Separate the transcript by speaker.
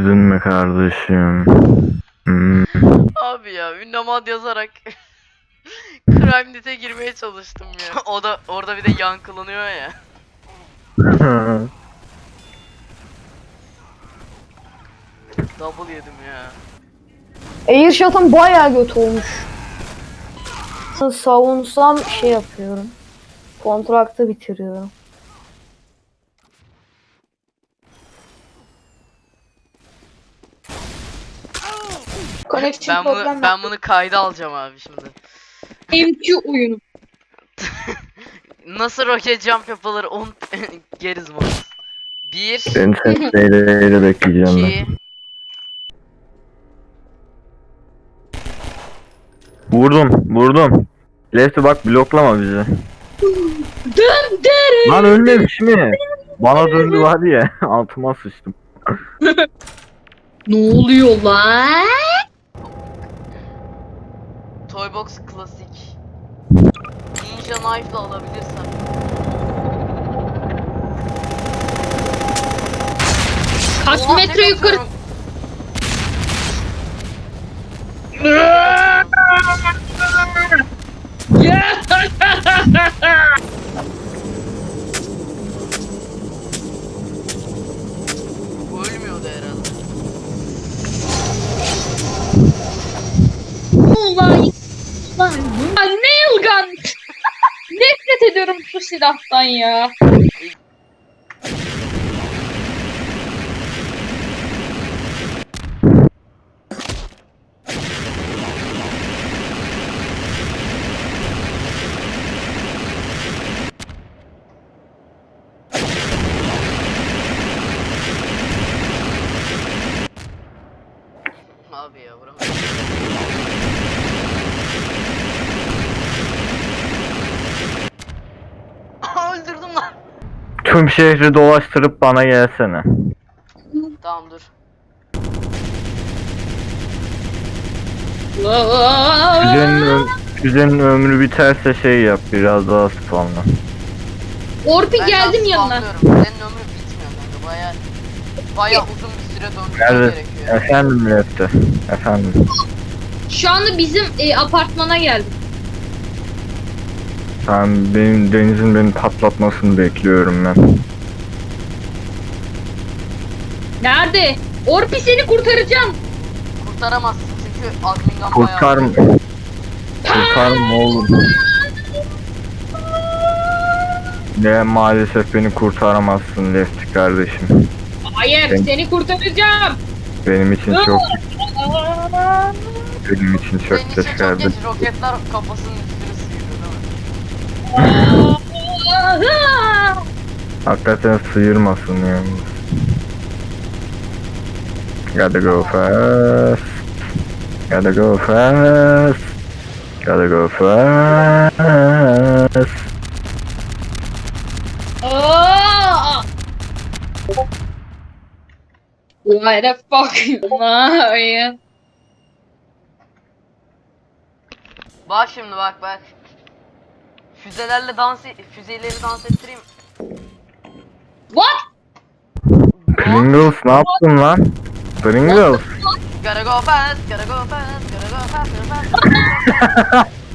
Speaker 1: Üzülme kardeşim. Hmm.
Speaker 2: Abi ya ünlemad yazarak CrimeNet'e girmeye çalıştım ya. O da orada bir de yankılanıyor ya. Double yedim ya.
Speaker 3: Airshot'ım bayağı kötü olmuş. Savunsam şey yapıyorum. Kontraktı bitiriyorum.
Speaker 4: Connection problem var.
Speaker 2: Ben bunu kayda alacağım abi şimdi.
Speaker 4: MQ oyunu.
Speaker 2: Nasıl roket jump yapılır on geriz mi? 1
Speaker 1: Seni sesleyle bekleyeceğim ben.
Speaker 2: 2
Speaker 1: Vurdum. Lefty bak bloklama bizi.
Speaker 4: Dön derim.
Speaker 1: Lan ölmemiş mi? Bana döndü var ya altıma sıçtım.
Speaker 4: Ne oluyor lan?
Speaker 2: Toybox klasik. Ninja knife'la alabilirsem.
Speaker 4: Kaç
Speaker 2: Oha,
Speaker 4: metre
Speaker 2: tek
Speaker 4: yukarı?
Speaker 2: atıyorum. Bu ölmüyordu herhalde.
Speaker 4: Ulan. Ulan. Nail gun. Nefret ediyorum şu silahtan ya.
Speaker 2: Abi ya vuramadım. Öldürdüm lan.
Speaker 1: Tüm şehri dolaştırıp bana gelsene.
Speaker 2: Tamam dur.
Speaker 1: Füzenin ömrü biterse şey yap biraz daha spawnla.
Speaker 4: Orpi
Speaker 2: Ben
Speaker 4: geldim
Speaker 2: daha
Speaker 4: yanına.
Speaker 2: spamlıyorum. Senin ömrün bitmiyor kanka. Baya uzun bir süre döndürmen
Speaker 1: Evet.
Speaker 2: gerekiyor.
Speaker 1: Efendim Lefty. Efendim.
Speaker 4: Şu anda bizim apartmana geldim.
Speaker 1: Benim Deniz'in beni patlatmasını bekliyorum ben.
Speaker 4: Nerede? Orpi seni kurtaracağım.
Speaker 2: Kurtaramazsın çünkü admin gun
Speaker 1: Kurtarım. Kurtarım oğlum. Ne maalesef beni kurtaramazsın Lefty kardeşim.
Speaker 4: Hayır,
Speaker 1: Ben-
Speaker 4: seni kurtaracağım.
Speaker 1: Benim için çok benim için çok
Speaker 2: Senin için
Speaker 1: geç
Speaker 2: çok
Speaker 1: geldi.
Speaker 2: geç roketler kafasının üstünü sıyırıyor değil mi?
Speaker 1: Hakikaten sıyırmasın yani. Gotta go fast. Gotta go fast. Gotta go fast.
Speaker 4: Aa! Why the fuck you?
Speaker 2: Bak şimdi bak. Füzeleri dans ettireyim.
Speaker 4: What?
Speaker 1: Pringles ne yaptın lan? Pringles.
Speaker 2: Gotta go fast, gotta go fast, gotta go fast, gotta go fast.